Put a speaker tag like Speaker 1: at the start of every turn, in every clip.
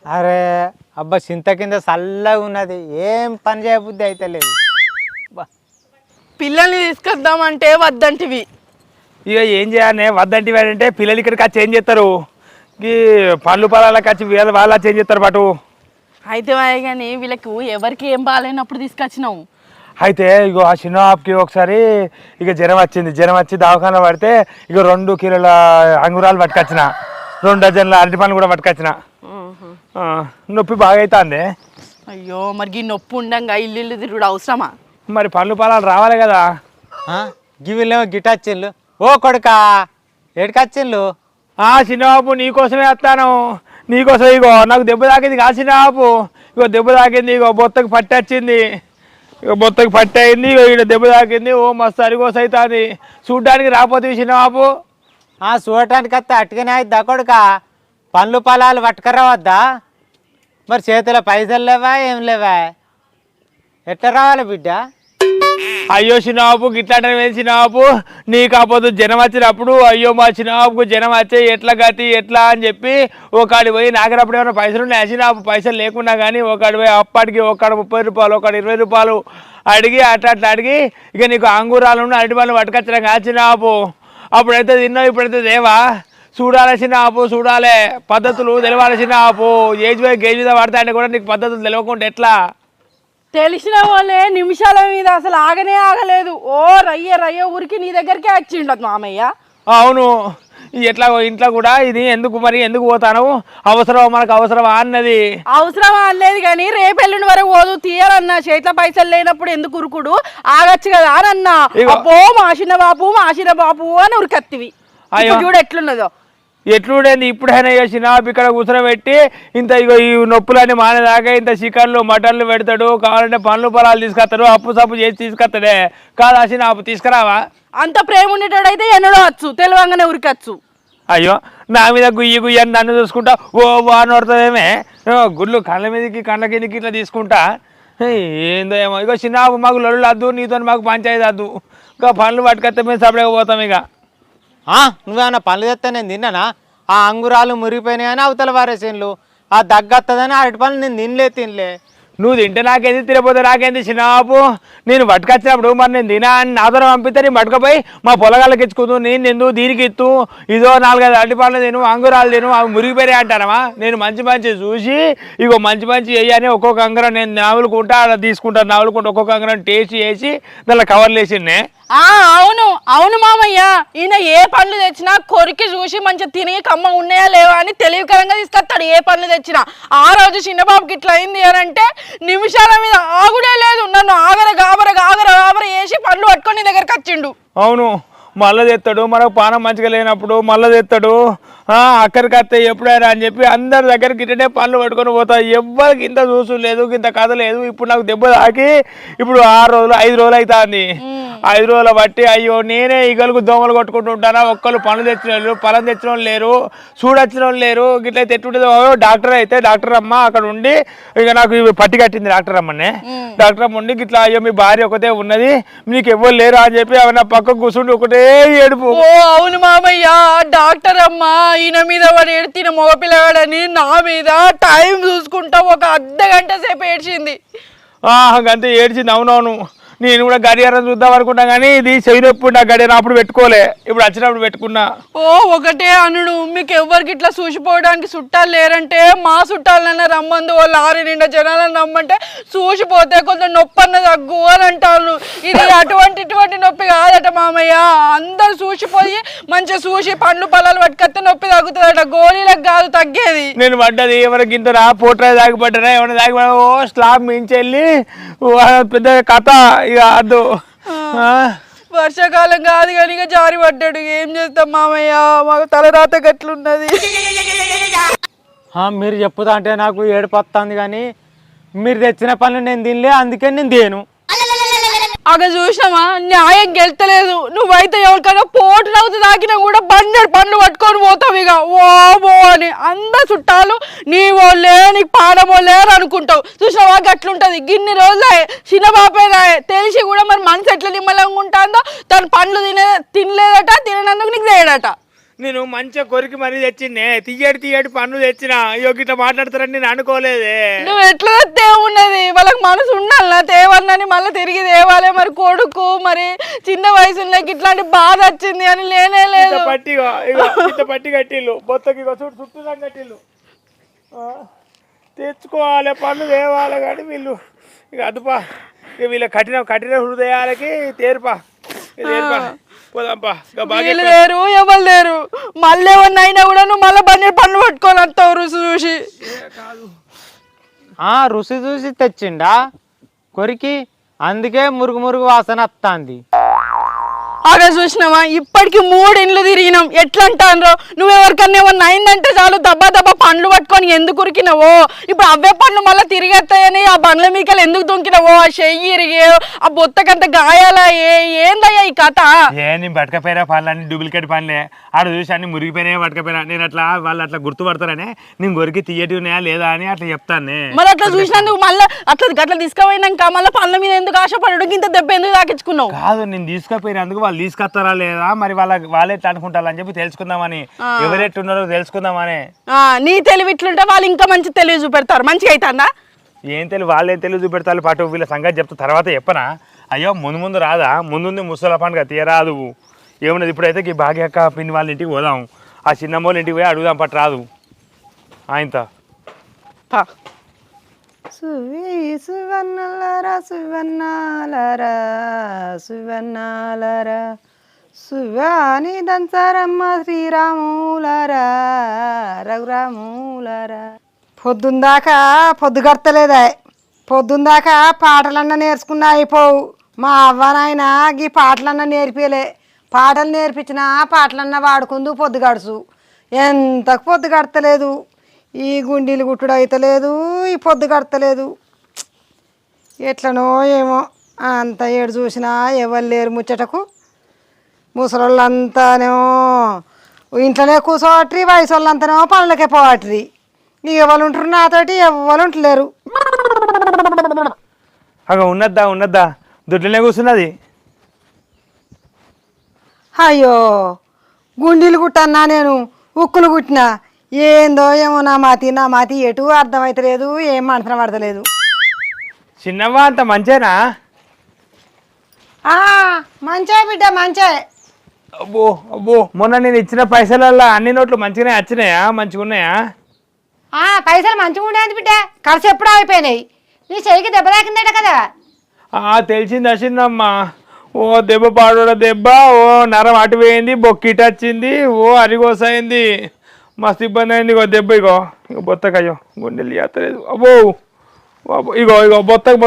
Speaker 1: అరే అబ్బా చింత కింద చల్లగా ఉన్నది, ఏం పని చేయబుద్ధి అయితే లేదు.
Speaker 2: పిల్లల్ని తీసుకొద్దామంటే వద్దంటివి.
Speaker 3: ఇక ఏం చేయాలి వద్దంటివి అంటే పిల్లలు ఇక్కడికి వచ్చి ఏం చేస్తారు? ఈ పళ్ళు పొలాలకు వచ్చి వాళ్ళు వచ్చి ఏం చేస్తారు పాటు?
Speaker 2: అయితే కానీ వీళ్ళకు ఎవరికి ఏం బాగాలేనప్పుడు తీసుకొచ్చినావు.
Speaker 3: అయితే ఇగో ఆ చిన్నకి ఒకసారి ఇక జ్వరం వచ్చి దవాఖాన పడితే ఇక 2 కిలోల అంగురాలు పట్టుకొచ్చిన, 2 డజన్ల అరటి పండ్లు కూడా పట్టుకొచ్చిన. నొప్పి బాగా అవుతుంది.
Speaker 2: అయ్యో మరి ఈ నొప్పి ఉండంగా ఇల్లు తిరుగుడు అవసరమా?
Speaker 3: మరి పళ్ళు పొలాలు రావాలి కదా.
Speaker 1: గివిలేమో గిటచ్చిళ్ళు. ఓ కొడుకా ఎడికొచ్చిళ్ళు?
Speaker 3: చిన్నబాబు నీకోసమే వస్తాను, నీకోసం. ఇగో నాకు దెబ్బ తాకింది కా చిన్నబాబు, ఇగో దెబ్బ తాకింది, ఇగో బొత్తకు పట్టి వచ్చింది, ఇక బొత్తకు పట్టి అయింది, ఇగో ఇక్కడ దెబ్బ తాకింది. ఓ మస్తు అరిగోస అవుతుంది. చూడ్డానికి రాపోతుంది చిన్నబాబు.
Speaker 1: చూడటానికి వస్తే అట్టుగానే అయిద్దా కొడుకా? పండ్లు పొలాలు పట్టుకురావద్దా? మరి చేతిలో పైసలు లేవా, ఏం లేవా? ఎట్లా రావాలి బిడ్డ?
Speaker 3: అయ్యో చిన్నబాబు గిట్లాంటి చిన్నబాబు, నీ కాకపోతే జనం వచ్చినప్పుడు అయ్యో మా చిన్నబాబుకు జనం వచ్చే ఎట్లా గతి ఎట్లా అని చెప్పి ఒకటి పోయి నాగరప్పుడు ఏమైనా పైసలు ఉన్నాయి చిన్నబాబు, పైసలు లేకున్నా కానీ ఒకటి పోయి అప్పటికి ఒకటి 30 రూపాయలు ఒకటి 20 రూపాయలు అడిగి అట్లా అడిగి ఇక నీకు అంగూరాలు అరటి పళ్ళు పట్టుకొచ్చినా కాదు చిన్నబాబు. అప్పుడైతే తిన్నావు, ఇప్పుడైతే దేవా. చూడాలి చిన్నబాబు, చూడాలి, పద్ధతులు తెలవాలి చిన్నబాబు. ఏజ్ పోయి గేజ్ మీద పడతాయంటే కూడా నీకు పద్ధతులు తెలియకుండా ఎట్లా?
Speaker 2: తెలిసిన వాళ్ళే నిమిషాల మీద అసలు ఆగలేదు. ఓ రయ్య ఊరికి నీ దగ్గరికే వచ్చిండదు మామయ్య.
Speaker 3: అవును, ఎట్లా ఇంట్లో కూడా ఇది ఎందుకు పోతాను, అవసరమా మనకు అవసరమా అన్నది.
Speaker 2: అవసరమా అనలేదు కానీ రేపెల్లుండి వరకు పోదు తీయాలన్నా, చేతిలో పైసలు లేనప్పుడు ఎందుకు ఉరుకుడు, ఆగచ్చు కదా అని అన్నా. అబ్బో మాసిన బాపు అని ఉరికత్తివి. చూడు ఎట్లున్నదో.
Speaker 3: ఎట్లుండేది ఇప్పుడైనా చేసిన ఇక్కడ కూర్చోబెట్టి ఇంత ఇగో ఈ నొప్పులన్నీ మానేదాకా ఇంత చికెన్లు మటన్లు పెడతాడు, కావాలంటే పండ్లు పొలాలు తీసుకొస్తాడు, అప్పు సప్పు చేసి తీసుకొస్తాడే కాదు అసిన అప్పు తీసుకురావా?
Speaker 2: అంత ప్రేమ ఉండేటోడైతే ఎన్నడో వచ్చు, తెలివంగానే ఉరికచ్చు.
Speaker 3: అయ్యో నా మీద గుయ్యి అని నన్ను చూసుకుంటా ఓ అని పడుతుందేమే, గుళ్ళు కళ్ళ మీదకి కళ్ళ కిందకి ఇట్లా తీసుకుంటా. ఏందో ఏమో. ఇగో చిన్న మాకు లొల్లు వద్దు, నీతో మాకు పంచాయతీ వద్దు, ఇంకా పండ్లు పట్టుకొస్తే మేము సపరేకపోతాం. ఇక
Speaker 1: నువ్వేమన్నా పనులు తెస్తే నేను తిన్నానా? ఆ అంగురాలు మురిగిపోయినాయని అవతల వారేసేన్లు, ఆ దగ్గత్తదని అరటి పనులు నేను తినలే.
Speaker 3: నువ్వు తింటే నాకేంది, తినపోతే నాకేంది చిన్నబాబు. నేను పట్టుకొచ్చినప్పుడు మరి నేను తినా అని నాతో పంపిస్తే నేను పట్టుకపోయి మా పొలగాళ్ళకి ఇచ్చుకుంటూ నేను ఎందుకు దీనికి ఇత్తు, ఇదో 4-5 అరటి పండ్లు తిను, అంగురాలు తిను, అవి మురిగిపోయి అంటానమా? నేను మంచి చూసి ఇగో మంచి వేయని ఒక్కొక్క అంగురం నేను నవ్వులుకుంటా అలా తీసుకుంటాను, నవ్వులుకుంటా ఒక్కొక్క అంగురం టేస్ట్ చేసి దానిలో కవర్లు వేసిండే.
Speaker 2: అవును మామయ్య, ఈయన ఏ పండ్లు తెచ్చినా కొరికి చూసి మంచిగా తిని కమ్మ ఉన్నాయా లేవా అని తెలివికరంగా తీసుకొస్తాడు. ఏ పండ్లు తెచ్చినా ఆ రోజు చిన్నబాబుకి ఇట్లా అయింది అని అంటే నిమిషాల మీద ఆగుడే లేదు, నన్ను ఆగర గాబర వేసి పండ్లు పట్టుకొని నీ దగ్గరకు వచ్చిండు.
Speaker 3: అవును, మళ్ళీ తెస్తాడు, మనకు పానం మంచిగా లేనప్పుడు మళ్ళీ తెస్తాడు. అక్కడికి వస్తే ఎప్పుడైనా అని చెప్పి అందరి దగ్గరికి ఇట్లనే పనులు పట్టుకొని పోతాయి. ఎవ్వరికి ఇంత చూసు లేదు, ఇంత కథ లేదు. ఇప్పుడు నాకు దెబ్బ తాకి ఇప్పుడు 6 రోజులు 5 రోజులు అవుతుంది. 5 రోజులు బట్టి అయ్యో నేనే ఈగలకు దోమలు కొట్టుకుంటూ ఉంటానా. ఒక్కళ్ళు పనులు తెచ్చిన వాళ్ళు పొలం తెచ్చిన వాళ్ళు లేరు, చూడొచ్చిన వాళ్ళు లేరు. గిట్లయితే ఎట్టుంటుందో డాక్టర్ అయితే డాక్టర్ అమ్మ అక్కడ ఉండి ఇక నాకు పట్టి కట్టింది డాక్టర్ అమ్మనే. డాక్టర్ అమ్మ ఉండి గిట్లా అయ్యో మీ భార్య ఒకటే ఉన్నది, మీకు ఎవ్వరు లేరు అని చెప్పి ఆమె పక్కకు కూర్చుండి ఒకటే ఏడుపు.
Speaker 2: అవును మామయ్య, డాక్టర్ అమ్మ ఈయన మీద వాడు ఏడ్చిన మగపిల్లగాడని నా మీద టైం చూసుకుంటా ఒక అర్ధగంట సేపు ఏడ్చింది.
Speaker 3: అంతే ఏడ్చింది. అవునవును, నేను కూడా గడియారం చూద్దాం అనుకున్నా కానీ ఇది చెయ్యనప్పుడు నా గడియారం అప్పుడు పెట్టుకోలే, ఇప్పుడు వచ్చినప్పుడు పెట్టుకున్నా.
Speaker 2: ఒకటే అనుడు, మీకు ఎవ్వరికి ఇట్లా చూసిపోవడానికి చుట్టాలు లేరంటే మా చుట్టాలన్నా రమ్మంది, వాళ్ళు 6 నిండా జనాలను రమ్మంటే చూసిపోతే కొంచెం నొప్పి అన్న తగ్గు అని అంటారు. ఇది ఇటువంటి నొప్పి కాదట మామయ్య, అందరు చూసిపోయి మంచిగా చూసి పండ్లు పొలాలు పట్టుకొస్తే నొప్పి తగ్గుతుందట, గోళీలకు కాదు తగ్గేది.
Speaker 3: నేను పడ్డది ఎవరికి ఇంత పోట్రా దాగిపడ్డా, ఏమైనా దాగిపడ్డా స్లాబ్ మించెళ్ళి పెద్ద కథ. ఇక అద్దు
Speaker 2: వర్షాకాలం కాదు కానీ ఇక జారి పడ్డాడు. ఏం చేస్తాం మామయ్య, మాకు తలరాత గట్లున్నది.
Speaker 1: మీరు చెప్పుతా అంటే నాకు ఏడుపు వస్తుంది, కానీ మీరు తెచ్చిన పనులు నేను తినలే, అందుకే నేను తేను.
Speaker 2: అక్కడ చూసినామా న్యాయం గెలుతలేదు. నువ్వైతే ఎవరికైనా పోటు నవ్వుతూ తాకినా కూడా బండెడు పండ్లు పట్టుకొని పోతావు. ఇక ఓ అని అందరు చుట్టాలు నీ వాళ్ళే నీకు పాడమోలే అని అనుకుంటావు. చూసినావా గట్లుంటది. గిన్ని రోజులే చిన్నబాపేనా తెలిసి కూడా మరి మనసు ఎట్లా నిమ్మలంగా ఉంటుందో, తను పండ్లు తినలేదట, తిననందుకు నీకు చేయడట.
Speaker 3: నేను మంచిగా కొరికి మరీ తెచ్చిండే తీయటి పన్ను తెచ్చిన ఇట్లా మాట్లాడతారని నేను అనుకోలేదే.
Speaker 2: నువ్వు ఎట్లా తేవున్నది వాళ్ళకి మనసు ఉండాలి తేవన్నని మళ్ళీ తిరిగి తేవాలి. మరి కొడుకు మరి చిన్న వయసులో ఇట్లాంటి బాధ వచ్చింది అని లేనే లేదు.
Speaker 3: పట్టి కట్టిల్లు బొత్తకి చుట్టూ కట్టిల్లు తెచ్చుకోవాలి పన్ను తేవాలి కానీ వీళ్ళు ఇక అదుపా ఇక వీళ్ళ కఠిన హృదయాలకి తేరుపా పోదాంపా.
Speaker 2: వీళ్ళు లేరు ఎవరు లేరు. మళ్ళీ ఏమన్నా అయినా కూడా నువ్వు మళ్ళీ బండి పనులు పట్టుకొని వస్తావు రుచి చూసి.
Speaker 1: రుచి చూసి తెచ్చిండా కొరికి, అందుకే మురుగు వాసన వస్తుంది.
Speaker 2: అదే చూసినావా ఇప్పటికి 3 ఇండ్లు తిరిగినాం. ఎట్లా అంటాను నువ్వెవరికన్నా ఏమన్నా అయిందంటే చాలు దబ్బా పండ్లు పట్టుకొని ఎందుకు ఉరికినావో. ఇప్పుడు అవే పండ్లు మళ్ళీ తిరిగేస్తాయని ఆ బండ్ల మీకలు ఎందుకు దొంకినావో. ఆ చెయ్యి ఇరిగి ఆ బొత్తకంత గాయాలా ఏందయ్యా ఈ కథ?
Speaker 3: నేను పట్టుకపోయినా పనులన్నీ డూప్లికేట్ పనులే. ఆడ చూసి అన్ని మురిగిపోయినా పట్టుకపోయినా నేను అట్లా వాళ్ళు అట్లా గుర్తుపడతారని నేను గొరికి తీయటి ఉన్నాయా లేదా అని అట్లా చెప్తాను.
Speaker 2: మరి అట్లా చూసినందుకు మళ్ళీ అట్లా తీసుకుపోయినాక మళ్ళీ పనుల మీద ఎందుకు ఆశపడడు? ఇంత దెబ్బ ఎందుకు తాకించుకున్నావు?
Speaker 3: కాదు నేను తీసుకుపోయినందుకు వాళ్ళు తీసుకొస్తారా లేదా మరి వాళ్ళే ఎట్లా అనుకుంటారు అని చెప్పి తెలుసుకుందామని, ఎవరెట్టున్నారో తెలుసుకుందామని.
Speaker 2: నీ తెలివి ఇట్లుంటే వాళ్ళు ఇంకా మంచి తెలివి చూపెడతారు. మంచిగా అవుతుందా?
Speaker 3: ఏం తెలివి వాళ్ళు ఏం తెలివి చూపెడతారు. పాటు వీళ్ళ సంగతి చెప్తా తర్వాత చెప్పనా. అయ్యో ముందు రాదా, ముందుంది ముసల పండుగ తీయరాదు ఏమున్నది. ఇప్పుడైతే ఈ భాగ్యక్క పిన్ని వాళ్ళ ఇంటికి పోదాం. ఆ చిన్నమ్మోళ్ళ ఇంటికి పోయి అడుగుదాం పట్టు రాదు ఆయనతో.
Speaker 4: సువన్నాలరా సువన్నాలరా సువన్నాలరా సువాని దంచరమ్మ శ్రీరాములరా రఘురాములరా. పొద్దుందాకా పొద్దుగడతలేదా? పొద్దుందాకా పాటలన్నా నేర్చుకున్నా అయిపోవు. మా అవ్వనాయన గీ పాటలన్నా నేర్పియలే. పాటలు నేర్పించినా పాటలన్నా వాడుకుందు పొద్దు గడుచు. ఎంతకు పొద్దు గడతలేదు. ఈ గుండీలు గుట్టుడు అవుతలేదు, ఈ పొద్దు గడతలేదు. ఎట్లనో ఏమో అంత ఏడు చూసినా ఎవరు లేరు ముచ్చటకు. ముసలోళ్ళంతానేమో ఇంట్లోనే కూర్చోవట్రి, వయసు వాళ్ళంతానేమో పనులకే పోవట్రి. ఇక ఎవరు ఉంటారు నాతోటి? ఎవరు ఉంటలేరు.
Speaker 3: అగ ఉన్నద్దా దుడ్లనే కూర్చున్నది.
Speaker 4: అయ్యో గుండీలు కుట్టన్నా నేను ఉక్కులు కుట్టినా. ఏందో ఏమో నా మాతి ఎటు అర్థమవుతలేదు, ఏం మనసున పడతలేదు.
Speaker 3: చిన్నవ్వ అంత మంచేనా?
Speaker 4: మంచే బిడ్డ మంచే.
Speaker 3: అబ్బో మొన్న నేను ఇచ్చిన పైసలల్లో అన్ని నోట్లు మంచిగానే వచ్చినాయా? మంచిగా ఉన్నాయా?
Speaker 4: పైసలు మంచిగా ఉండేది బిడ్డ, ఖర్చు ఎప్పుడూ అయిపోయినాయి. నీ చెయ్యికి దెబ్బ తాకిందట కదా?
Speaker 3: తెలిసింది వచ్చిందమ్మా. ఓ దెబ్బ పాడోడ దెబ్బ, ఓ నరం అటు పోయింది, బొక్కిట వచ్చింది, ఓ అరిగోసైంది, మస్తు ఇబ్బంది అయింది. ఇగో దెబ్బ ఇగో బొత్తకయ్యో గుండెలు చేస్తలేదు. అబ్బో ఇగో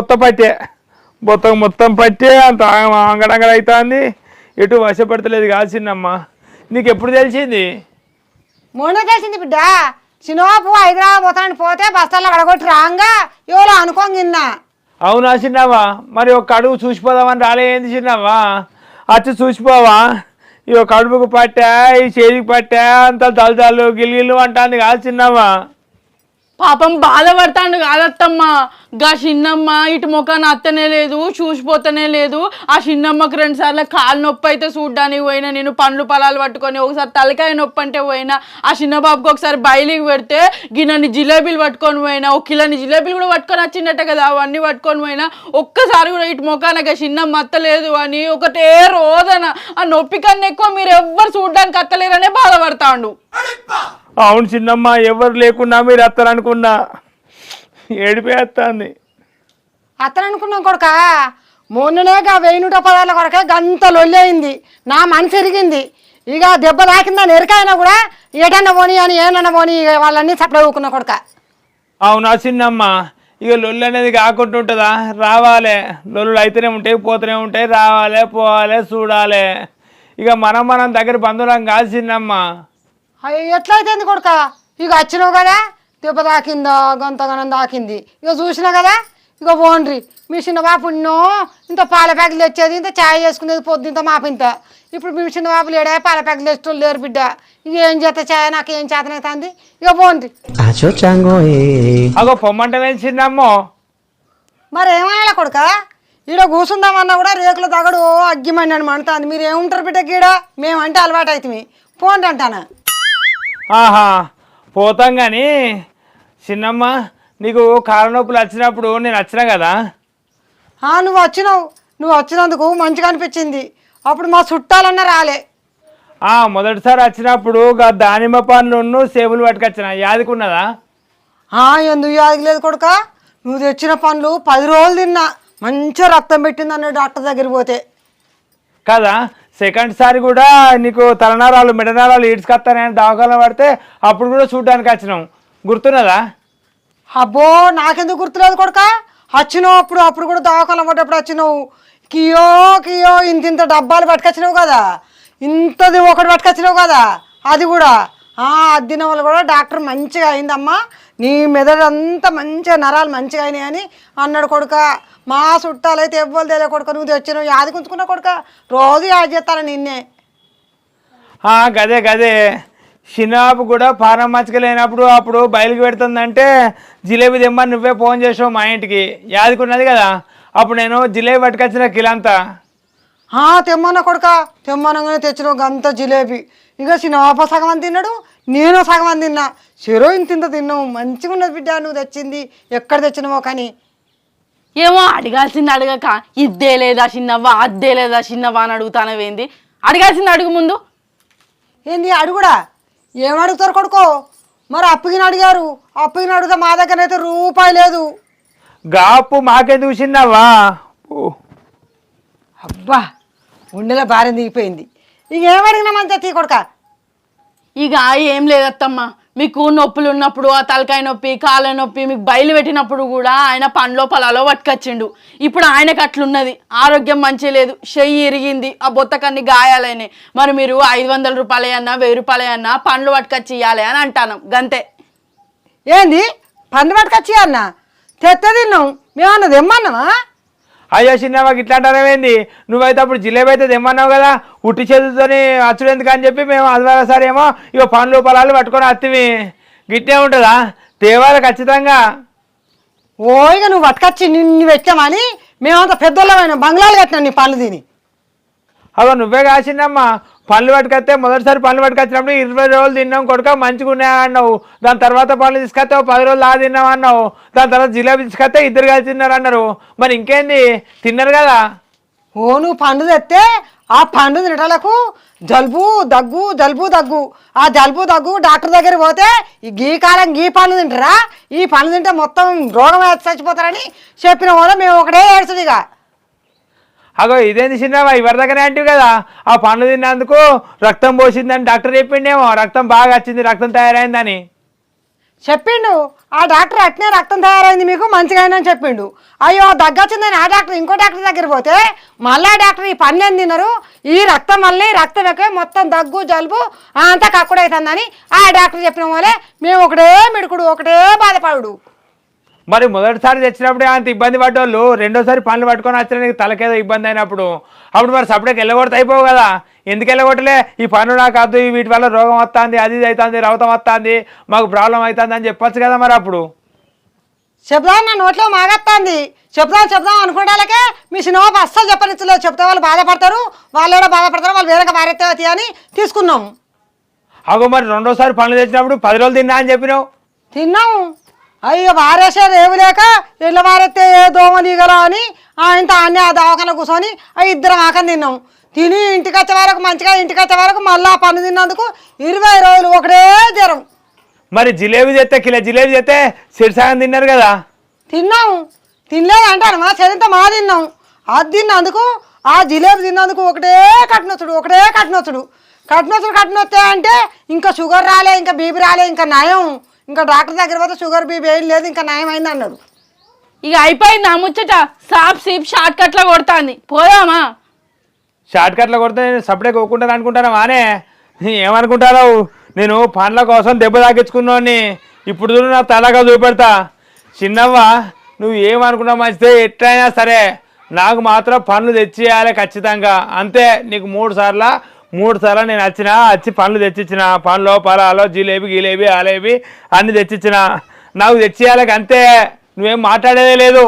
Speaker 3: బొత్తకు మొత్తం పట్టే అంత అంగడంగడ అవుతుంది. ఎటు వశపడతలేదు కాదు చిన్నమ్మ. నీకు ఎప్పుడు తెలిసింది?
Speaker 4: మొన్న తెలిసింది బిడ్డ. చిన్నబాబు హైదరాబాద్ పోతే బస్తాల్లో అడగొట్టి రాంగా ఎవరో అనుకోంగిన్నా.
Speaker 3: అవునా చిన్నవా? మరి ఒక అడుగు చూసిపోదామని రాలేంది చిన్నవా? వచ్చి చూసిపోవా? ఈ ఒక కడుపుకు పట్టా, ఈ చేతికి పట్టా, అంత తలతాలు గిల్గిల్లు అంటుంది కాదు చిన్నవా?
Speaker 2: పాపం బాధపడతాడు కాదత్తమ్మా. గా చిన్నమ్మ ఇటు ముఖాన్ని అత్తనే లేదు, చూసిపోతనే లేదు. ఆ చిన్నమ్మకు 2 సార్లు కాలు నొప్పి అయితే చూడ్డానికి పోయినా, నేను పండ్లు పొలాలు పట్టుకొని, ఒకసారి తలకాయ నొప్పి అంటే పోయినా. ఆ చిన్న బాబుకి ఒకసారి బయలికి పెడితే గిన్నెని జిలేబీలు పట్టుకొని పోయినా, 1 కిలోని జిలేబీలు కూడా పట్టుకొని వచ్చిందట కదా, అవన్నీ పట్టుకొని పోయినా. ఒక్కసారి కూడా ఇటు ముఖానికి చిన్నమ్మ అత్తలేదు అని ఒకటే రోదన. ఆ నొప్పి కన్నా ఎక్కువ మీరు ఎవ్వరు చూడ్డానికి అత్తలేరనే బాధపడతాడు.
Speaker 3: అవును చిన్నమ్మ, ఎవరు లేకున్నా మీరు అత్తరనుకున్నా ఏడిపోయేస్తుంది.
Speaker 4: అత్తననుకున్నాం కొడుక. మొన్ననేగా 1000 రూపాయల కొరకే గంత లొల్లి అయింది. నా మనసు ఎరిగింది. ఇక దెబ్బ తాకిందని ఎరికైనా కూడా ఏటన్నా పోనీ అని ఏమన్నా పోనీ వాళ్ళన్నీ సప్లై ఊకున్నా కొడుక.
Speaker 3: అవునా చిన్నమ్మ? ఇక లొల్లు అనేది కాకుండా ఉంటుందా? రావాలి, లొల్లు అయితేనే ఉంటాయి, పోతూనే ఉంటాయి, రావాలి, పోవాలి, చూడాలి. ఇక మనం దగ్గర బంధువులం కాదు చిన్నమ్మ.
Speaker 4: అయ్యో ఎట్లయితే కొడుక? ఇక వచ్చినావు కదా, దెబ్బ తాకిందా గంతగనం తాకింది. ఇక చూసినా కదా, ఇక పోండ్రి. మీ చిన్న బాబు ఇంత పాల ప్యాకెట్లు తెచ్చేది, ఇంత ఛాయ్ చేసుకునేది పొద్దు, ఇంత మాపింత. ఇప్పుడు మీ చిన్న బాబులు ఏడా పాల ప్యాకెట్లు తెచ్చేటోళ్ళు లేరు బిడ్డ. ఇక ఏం చేస్తా ఛాయ్, నాకు ఏం చేతనైతుంది. ఇక పోండ్రి.
Speaker 3: అగో పొమ్మంటే చిన్నమ్మో.
Speaker 4: మరి ఏమన్నా కొడుక? ఈడ కూర్చుందామన్నా కూడా రేకుల తగడు అగ్గిమని అని మండుతుంది. మీరు ఏముంటారు బిడ్డ గీడ? మేమంటే అలవాటు అవుతుంది. పోండి అంటానా.
Speaker 3: ఆహా పోతాం కానీ చిన్నమ్మ నీకు కాళ్ళ నొప్పులు వచ్చినప్పుడు నేను వచ్చినా కదా.
Speaker 4: నువ్వు వచ్చినందుకు మంచిగా అనిపించింది. అప్పుడు మా చుట్టాలన్నా రాలే.
Speaker 3: మొదటిసారి వచ్చినప్పుడు దానిమ్మ పండ్లు సేబులు పట్టుకొచ్చిన యాదికున్నదా?
Speaker 4: ఎందుకు యాదగలేదు కొడుక, నువ్వు తెచ్చిన పండ్లు 10 రోజులు తిన్నా, మంచిగా రక్తం పెట్టింది అన్నాడు డాక్టర్ దగ్గరికి పోతే
Speaker 3: కదా. సెకండ్ సారి కూడా నీకు తలనరాలు మెడనరాలు ఈడ్చుకొస్తానని దవాఖాన పడితే అప్పుడు కూడా చూడడానికి వచ్చినాం, గుర్తున్నదా?
Speaker 4: అబ్బో నాకెందుకు గుర్తులేదు కొడుక, వచ్చినావు అప్పుడు కూడా దవాఖాన పడ్డప్పుడు వచ్చినావు. కియో కియో ఇంత డబ్బాలు పట్టుకొచ్చినావు కదా, ఇంతది ఒకటి పట్టుకొచ్చినావు కదా. అది కూడా అది తిన వల్ల కూడా డాక్టర్ మంచిగా అయిందమ్మా, నీ మెదడు అంతా మంచిగా నరాలు మంచిగా అయినాయి అని అన్నాడు కొడుక. మా చుట్టాలు అయితే ఎవ్వరు తెలియ కొడుక, నువ్వు తెచ్చినావు యాది గుంచుకున్నావు కొడుక, రోజు యాది చేస్తాను నిన్నే.
Speaker 3: గదే గదే షినాబు కూడా పానం మంచిగా లేనప్పుడు అప్పుడు బయలుకి పెడుతుందంటే జిలేబీ తెమ్మని నువ్వే ఫోన్ చేసావు మా ఇంటికి, యాదికున్నది కదా. అప్పుడు నేను జిలేబీ పట్టుకొచ్చిన కిలంతా.
Speaker 4: తెమ్మన్నా కొడుక, తెమ్మనగానే తెచ్చినావు గంత జిలేబీ. ఇక సినాప సగం అని తిన్నాడు, నేను సగం అని తిన్నా, చెరో ఇంత తిన్నావు. మంచిగా ఉన్నది బిడ్డ నువ్వు తెచ్చింది, ఎక్కడ తెచ్చినావో కానీ.
Speaker 2: ఏమో అడగాల్సింది అడగక ఇద్దే లేదా చిన్నవ్వ అద్దే లేదా చిన్నవ్వ అని అడుగుతానవేంది? అడగాల్సింది అడుగు ముందు.
Speaker 4: ఏంది అడుగుడా? ఏం అడుగుతారు కొడుకో? మరి అప్పగిన అడిగారు, అప్పగిన అడిగితే మా దగ్గర అయితే రూపాయి లేదు.
Speaker 3: గాపు మాకెందుకు చిన్నవా?
Speaker 4: అబ్బా ఉండేలా భార్య దిగిపోయింది. ఇక ఏం అడిగినా మంచిగా తీ కొడుక.
Speaker 2: ఇక ఏం లేదత్తమ్మ, మీకు నొప్పులు ఉన్నప్పుడు ఆ తలకాయ నొప్పి కాళ్ళ నొప్పి మీకు బయలు పెట్టినప్పుడు కూడా ఆయన పండ్లో పొలాలో పట్టుకొచ్చిండు. ఇప్పుడు ఆయనకు అట్లున్నది, ఆరోగ్యం మంచి లేదు, చెయ్యి ఇరిగింది, ఆ బొత్తకన్ని గాయాలైనాయి. మరి మీరు 500 రూపాయలన్నా 1000 రూపాయలన్నా పండ్లు పట్టుకొచ్చి ఇవ్వాలి అని అంటాను గంతే.
Speaker 4: ఏంది పండు పట్టుకొచ్చి అన్న తెత్త తిన్నాం మేమన్నది ఏమన్నావా?
Speaker 3: అయ్యో చిన్నవాకి ఇట్లా అంటారేంది? నువ్వైతే అప్పుడు జిలేబీ అయితే తెమ్మన్నావు కదా, ఉట్టి చేతులతోని అచ్చుడు ఎందుకు అని చెప్పి మేము అదివారసారి ఏమో ఇక పండ్లు పొలాలు పట్టుకొని అత్తివి. గిట్టే ఉంటుందా? తేవాలి ఖచ్చితంగా.
Speaker 4: ఇక నువ్వు పట్టుకొచ్చి నిన్ను పెట్టామని మేమంతా పెద్దోళ్ళమైన బంగ్లాలు కట్టినాం నీ పండ్లు తిని.
Speaker 3: అగో నువ్వే కాసిందమ్మా, పండ్లు పట్టుకొస్తే మొదటిసారి పండ్లు పట్టుకొచ్చినప్పుడు 20 రోజులు తిన్నాం కొడుక మంచిగా ఉన్నాయా అన్నావు. దాని తర్వాత పండ్లు తీసుకొస్తే 10 రోజులు తిన్నావు అన్నావు. దాని తర్వాత జిలేబీ తీసుకొస్తే 2 కలిసి తిన్నారు అన్నారు. మరి ఇంకేంది తిన్నారు కదా.
Speaker 4: నువ్వు పండు తెస్తే ఆ పండు తినటాలకు జలుబు దగ్గు, ఆ జలుబు దగ్గు డాక్టర్ దగ్గర పోతే ఈ కాలం గీ పండ్లు తింటారా, ఈ పండ్లు తింటే మొత్తం రోగం చచ్చిపోతారని చెప్పిన వల్ల మేము ఒకటే ఏడుస్తుంది. ఇక
Speaker 3: అగో ఇదేంది చిన్నవా, ఎవరి దగ్గర అంటివి కదా, ఆ పండ్లు తిన్నందుకు రక్తం పోసిందని డాక్టర్ చెప్పిండేమో, రక్తం బాగా వచ్చింది రక్తం తయారైందని
Speaker 4: చెప్పిండు. ఆ డాక్టర్ అట్నే రక్తం తయారైంది మీకు మంచిగా అయిందని చెప్పిండు. అయ్యో దగ్గొచ్చిందని ఆ డాక్టర్ ఇంకో డాక్టర్ దగ్గర పోతే మళ్ళా డాక్టర్ ఈ పండ్లు ఏం తిన్నారు, ఈ రక్తం మళ్ళీ రక్తం ఎక్కువ మొత్తం దగ్గు జలుబు అంతా కక్కుడు అవుతుందని ఆ డాక్టర్ చెప్పిన వాళ్ళే మేము ఒకటే మిడుకుడు ఒకటే బాధపడు.
Speaker 3: మరి మొదటిసారి తెచ్చినప్పుడే అంత ఇబ్బంది పడ్డోళ్ళు రెండోసారి పండ్లు పట్టుకొని వచ్చిన తలకేదో ఇబ్బంది అయినప్పుడు అప్పుడు మరి సపరేట్గా వెళ్ళగొడితే అయిపోవు కదా. ఎందుకు వెళ్ళగొట్టలే? ఈ పన్ను నాకు వద్దు, వీటి వల్ల రోగం వస్తుంది, అది అవుతుంది, రవతం వస్తుంది, మాకు ప్రాబ్లం అవుతుంది అని చెప్పొచ్చు కదా. మరి అప్పుడు
Speaker 4: చెప్దాం, నా నోట్లో మాగత్తాంది, చెప్దాం అనుకోవడాలకే మీ సినిమా అస్సలు చెప్పనిచ్చలేదు. చెప్తే వాళ్ళు బాధపడతారు, వాళ్ళు కూడా బాధపడతారు, వాళ్ళు వేరే భార్య అని తీసుకున్నాం.
Speaker 3: అగో మరి రెండోసారి పండ్లు తెచ్చినప్పుడు 10 రోజులు తిన్నా అని చెప్పినావు.
Speaker 4: తిన్నాము. అయ్యో వారేసారు ఏమి లేక ఇళ్ళ వారెత్తే ఏ దోమ నీగలా అని ఆయనతో అన్నీ ఆ దవాఖాన కూర్చొని 2 ఆకని తిన్నాం. తిని ఇంటికి వచ్చే వరకు మళ్ళీ ఆ పన్ను తిన్నందుకు 20 రోజులు ఒకటే జ్వరం.
Speaker 3: మరి జిలేబీ తెస్తే కిలో జిలేబీ తెస్తే సిరిసాగం తిన్నారు కదా.
Speaker 4: తిన్నాము, తినలేదు అంటాను మా చదివితే మా తిన్నాం. అది తిన్నందుకు ఆ జిలేబీ తిన్నందుకు ఒకటే కట్నొచ్చుడు కట్నొస్తే అంటే ఇంకా షుగర్ రాలే, ఇంకా బీపీ రాలే, ఇంకా నయం, ఇంకా డాక్టర్ దగ్గర పోతే షుగర్ బీపీ ఏం లేదు, ఇంకా నయం అయింది అన్నాడు.
Speaker 2: ఇక అయిపోయింది ఆ ముచ్చట, సాప్ సీప్ షార్ట్ కట్లో కొడుతుంది, పోయామా?
Speaker 3: షార్ట్ కట్లో కొడితే నేను సపరేట్ కొనుక్కుంటాను అనుకుంటాను వానే, ఏమనుకుంటావు? నేను పండ్ల కోసం దెబ్బ తాగించుకున్నాను, ఇప్పుడు చూడు నా తలగా చూపెడతా. చిన్నవ్వ నువ్వు ఏమనుకున్నావు మంచిదే, ఎట్లయినా సరే నాకు మాత్రం పండ్లు తెచ్చియాలి ఖచ్చితంగా, అంతే. నీకు 3 సార్లు నేను వచ్చి పండ్లు తెచ్చిచ్చిన, పండ్లు పొలాలు జిలేబీ ఆలేబీ అన్నీ తెచ్చిచ్చిన, నాకు తెచ్చియాలి అంతే, నువ్వేం మాట్లాడేదే లేదు.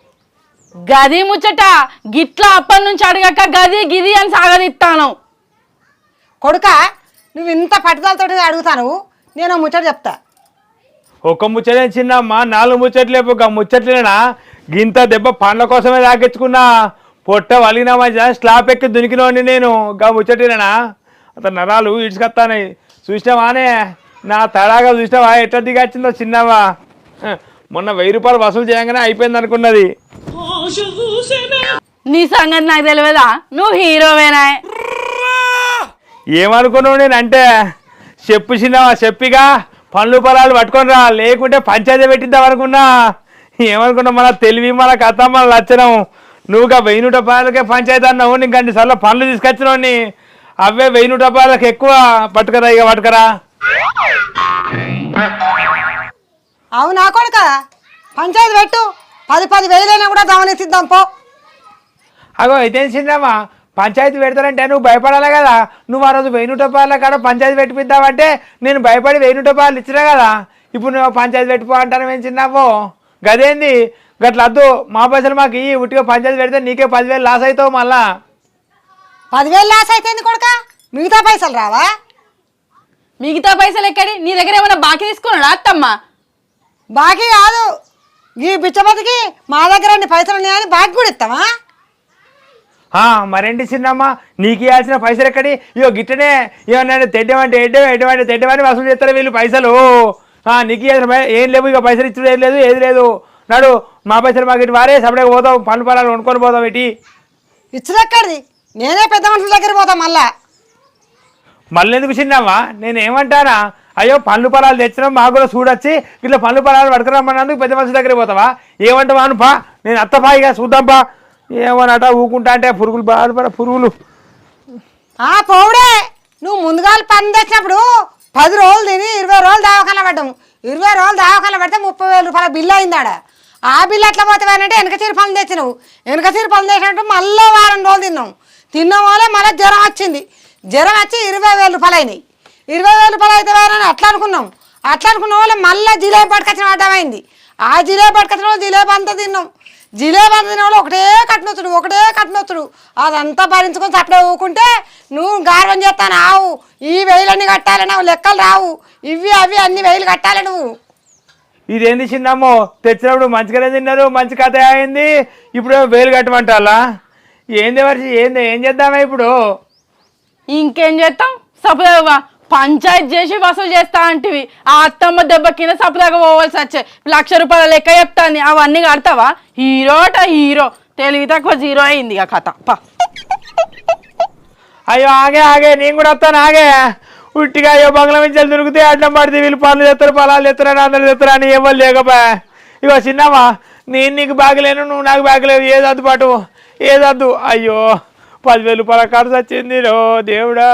Speaker 2: గది ముచ్చట గిట్లా అప్పటి నుంచి అడగక గది గిది అని సాగనిస్తాను.
Speaker 4: కొడుక నువ్వు ఇంత పట్టుదలతో అడుగుతాను, నేను ముచ్చట చెప్తా.
Speaker 3: ఒక్క ముచ్చటే చిన్నమ్మ, 4 ముచ్చట్లే ఒక ముచ్చట్లేనా? గింత దెబ్బ పండ్ల కోసమే తాకించుకున్నా. పొట్ట వలిగిన మధ్య స్లాబ్ ఎక్కి దునికినోండి నేను. గా ముచ్చటేనా? అతను నరాలు ఇడ్చుకొస్తానాయి. చూసినావానే నా తడాగా? చూసినావా ఎట్లా దిగచ్చిందో చిన్నవా? మొన్న 1000 రూపాయలు వసూలు చేయగానే అయిపోయింది అనుకున్నది.
Speaker 2: నీ సంగతి నాకు తెలియదా? నువ్వు హీరోవేనా?
Speaker 3: ఏమనుకున్నావు నేనంటే? చెప్పు చిన్నవా, చెప్పిగా పండ్లు పొలాలు పట్టుకొని రా, లేకుంటే పంచాయతీ పెట్టిద్దాం అనుకున్నా. ఏమనుకున్నావు? మన తెలివి, మన కథ, మన లక్షణం. నువ్వుగా 1000 రూపాయలకే పంచాయతీ అన్నావు. నీకు 2 సార్లు పండ్లు తీసుకొచ్చినోని. అవే 1000 రూపాయలకు ఎక్కువ. పట్టుకరా ఇక పట్టుకరా.
Speaker 4: అవునా కొడుక, పంచాయతీ పెట్టు. 10 వేలైనా కూడా గమనిద్దాం పో.
Speaker 3: అగో అయితే చిన్నమ్మా, పంచాయతీ పెడతానంటే నువ్వు భయపడాలి కదా. నువ్వు ఆ రోజు 1000 రూపాయల కాడ పంచాయతీ పెట్టిద్దామంటే నేను భయపడి 1000 రూపాయలు ఇచ్చినా కదా. ఇప్పుడు నువ్వు పంచాయతీ పెట్టిపో అంటాను ఏం చిన్నావో? గదేంది గట్ల వద్దు. మా పైసలు మాకు ఈ ఉట్టిగా పంచాయతీ పెడితే నీకే 10,000 లాస్ అవుతావు. మళ్ళా
Speaker 4: 10,000 లాస్ అయితే కొడుక, మిగతా పైసలు రావా?
Speaker 2: మిగతా పైసలు ఎక్కడి? నీ దగ్గర ఏమైనా బాకీ తీసుకున్నాడా అత్తమ్మ?
Speaker 4: బాకీ కాదు, ఈ బిచ్చబతికి మా దగ్గర అన్ని పైసలు ఉన్నాయని బాకీ కూడా ఇస్తావా?
Speaker 3: మరేంటి చిన్నమ్మ, నీకు ఇవ్వాల్సిన పైసలు ఎక్కడి? ఇగో గిట్టనే ఏమన్నా తెడ్డమంటే ఎడ్డమంటే తెడ్డమని వసూలు చేస్తారు వీళ్ళు పైసలు. నీకు ఇవ్వాల్సిన ఏం లేవు. ఇక పైసలు ఇచ్చుడు ఏం లేదు, ఏది లేదు. నాడు మా పైసలు మాకు ఇటు వారే సపరేట్గా పోతాం, పన్ను పొలాలు వండుకొని పోతాం. ఇటు
Speaker 4: ఇచ్చుడు ఎక్కడిది? నేనే పెద్ద మనుషుల దగ్గర పోతా. మళ్ళీ
Speaker 3: ఎందుకు చిన్నమ్మా? నేను ఏమంటానా? అయ్యో పండ్లు పొలాలు తెచ్చినాం, మాకు కూడా చూడొచ్చి ఇట్లా పండ్లు పొలాలు పట్టుకురమ్మన్నందుకు పెద్ద మనుషుల దగ్గర పోతావా? ఏమంటావా? పా నేను అత్తపా, ఇక చూద్దాంపా. ఏమన్నట ఊకుంటా అంటే పురుగులు బాధపడ పురుగులు.
Speaker 4: పోవుడే, నువ్వు ముందుగా పని తెచ్చినప్పుడు 10 రోజులు తిని 20 రోజులు దావకాల పడ్డాము. 20 రోజులు దావకాల పడితే 30,000 రూపాయల బిల్లు అయిందాడ. ఆ బిల్లు ఎట్లా పోతావేనంటే వెనక చీర పనులు తెచ్చినావు. వెనక చీర పనులు తెచ్చినట్టు మళ్ళీ వారం రోజులు తిన్నాం వల్ల మళ్ళీ జ్వరం వచ్చింది. జ్వరం వచ్చి 20,000 రూపాయలు అయినాయి. 20,000 రూపాయలు అయితే వేరని అట్లా అనుకున్నాం. అట్లా అనుకున్న వాళ్ళు మళ్ళీ జిలేబీ పట్టుకొచ్చిన అడ్డమైంది. ఆ జిలేబీ పట్టుకొచ్చిన వాళ్ళు జిలేబీ అంతా తిన్నాం. జిలేబీ అంతా తిన వాళ్ళు ఒకటే కట్టినొచ్చుడు. అదంతా భరించుకొని సప్లై ఊకుంటే నువ్వు గార్వం చేస్తాను. ఆవు ఈ 1000 కట్టాలి, నువ్వు లెక్కలు రావు. ఇవి అవి అన్ని 1000 కట్టాలి నువ్వు.
Speaker 3: ఇదేంది చిన్నమ్మో? తెచ్చినప్పుడు మంచిగానే తిన్నారు, మంచి కథ అయింది. ఇప్పుడు 1000 కట్టమంటాలా? ఏంది మనిషి? ఏం చేద్దామా ఇప్పుడు?
Speaker 2: ఇంకేం చేస్తాం? సపదాగా పంచాయతీ చేసి వసూలు చేస్తా అంటివి. ఆ అత్తమ్మ దెబ్బ కింద సపదాగా పోవాల్సి వచ్చే 1,00,000 రూపాయల లెక్క చెప్తాను. అవన్నీ కడతావా? హీరో తెలివి తక్కువ 0 అయింది ఇక కథ.
Speaker 3: అయ్యో ఆగే నేను కూడా వస్తాను. ఉట్టిగా అయ్యో బంగ్లా మించాలు దొరికితే అడ్డం పడితే వీళ్ళు పనులు చేస్తారు, పొలాలు చేస్తారని అందరు చేస్తారు అని ఎవరు లేకపోయా. ఇగో చిన్నమ్మా, నేను నీకు బాగలేను, నువ్వు నాకు బాగలేవు. ఏదద్దు పాటు ఏదద్దు. అయ్యో 10,000 రూపాయల ఖర్చు వచ్చింది రో దేవుడా.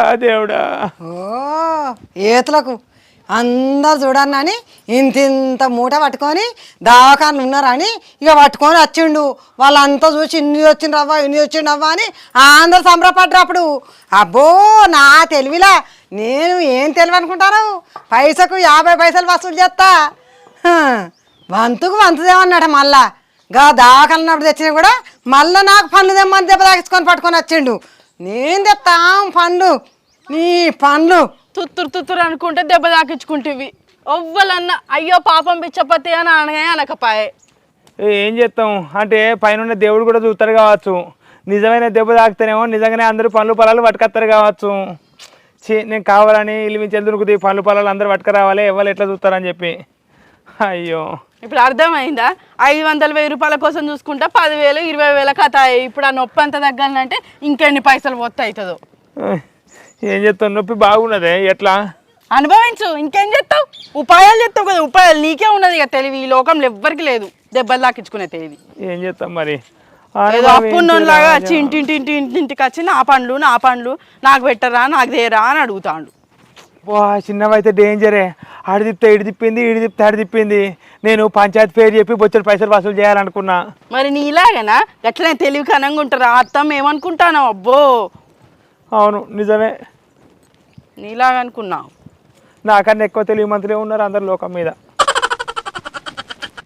Speaker 4: ఏతులకు అందరు చూడన్నాని ఇంత మూట పట్టుకొని దవాఖానలు ఉన్నారని ఇక పట్టుకొని వచ్చిండు. వాళ్ళంతా చూసి ఇన్ని వచ్చిండ్రవ్వా అని అందరు సంబరపడ్డారు. అప్పుడు అబ్బో నా తెలివిలా నేను ఏం తెలివి అనుకుంటాను, పైసకు 50 పైసలు వసూలు చేస్తా. వంతుకు వంతుదేమన్నట. మళ్ళా గా దవాఖానప్పుడు తెచ్చినా కూడా మళ్ళీ నాకు పండ్లు తెమ్మని దెబ్బ తాకించుకొని పట్టుకొని వచ్చిండు. నేను తెస్తాం పండ్లు, నీ పండ్లు
Speaker 2: తుత్తురు అనుకుంటే దెబ్బ తాకించుకుంటేవి. ఒవ్వలన్నా అయ్యో పాపం పిచ్చపతి అని అనకపాయే.
Speaker 3: ఏం చేస్తాం అంటే పైన దేవుడు కూడా చూస్తారు కావచ్చు. నిజమైన దెబ్బ తాకితేనేమో నిజంగానే అందరూ పండ్లు పొలాలు పట్టుకొస్తారు కావచ్చు. నేను కావాలని ఇల్లు మించి దొరుకుతాయి పండ్లు పొలాలు అందరూ పట్టుకురావాలి, ఎవరు ఎట్లా చూస్తారని చెప్పి. అయ్యో
Speaker 2: ఇప్పుడు అర్థమైందా? 500,000 రూపాయల కోసం చూసుకుంటా 10,000 20,000 కథ. ఇప్పుడు ఆ నొప్పి అంత తగ్గాలంటే ఇంకెన్ని పైసలు పోతే అవుతుందో.
Speaker 3: ఏం చేస్తావు? నొప్పి బాగున్నదే, ఎట్లా
Speaker 2: అనుభవించు. ఇంకేం చేస్తావు? ఉపాయాలు చేస్తావు కదా. ఉపాయాలు నీకే ఉన్నది ఇక తెలివి. ఈ లోకంలో ఎవ్వరికి లేదు దెబ్బలు తాకించుకునే తెలివి.
Speaker 3: ఏం చేస్తాం మరి?
Speaker 2: ఏదో అప్పున్నోలాగా వచ్చి ఇంటికి వచ్చి నా పండ్లు నాకు పెట్టరా, నాకు దేరా అని అడుగుతాడు.
Speaker 3: చిన్నవైతే డేంజరే. ఆడి తిప్పితే ఇడి తిప్పింది, ఇడి తిప్పితే ఆడి తిప్పింది. నేను పంచాయతీ పేరు చెప్పి బొచ్చడి పైసలు వసూలు చేయాలనుకున్నా.
Speaker 2: మరి నీలాగనా ఎట్లనే తెలివి కనంగా ఉంటారా? అత్తమ్మ ఏమనుకుంటాను? అబ్బో
Speaker 3: అవును నిజమే,
Speaker 2: నీలాగా అనుకున్నావు.
Speaker 3: నాకన్నా ఎక్కువ తెలివి మంత్రులే ఉన్నారు అందరు లోకం మీద.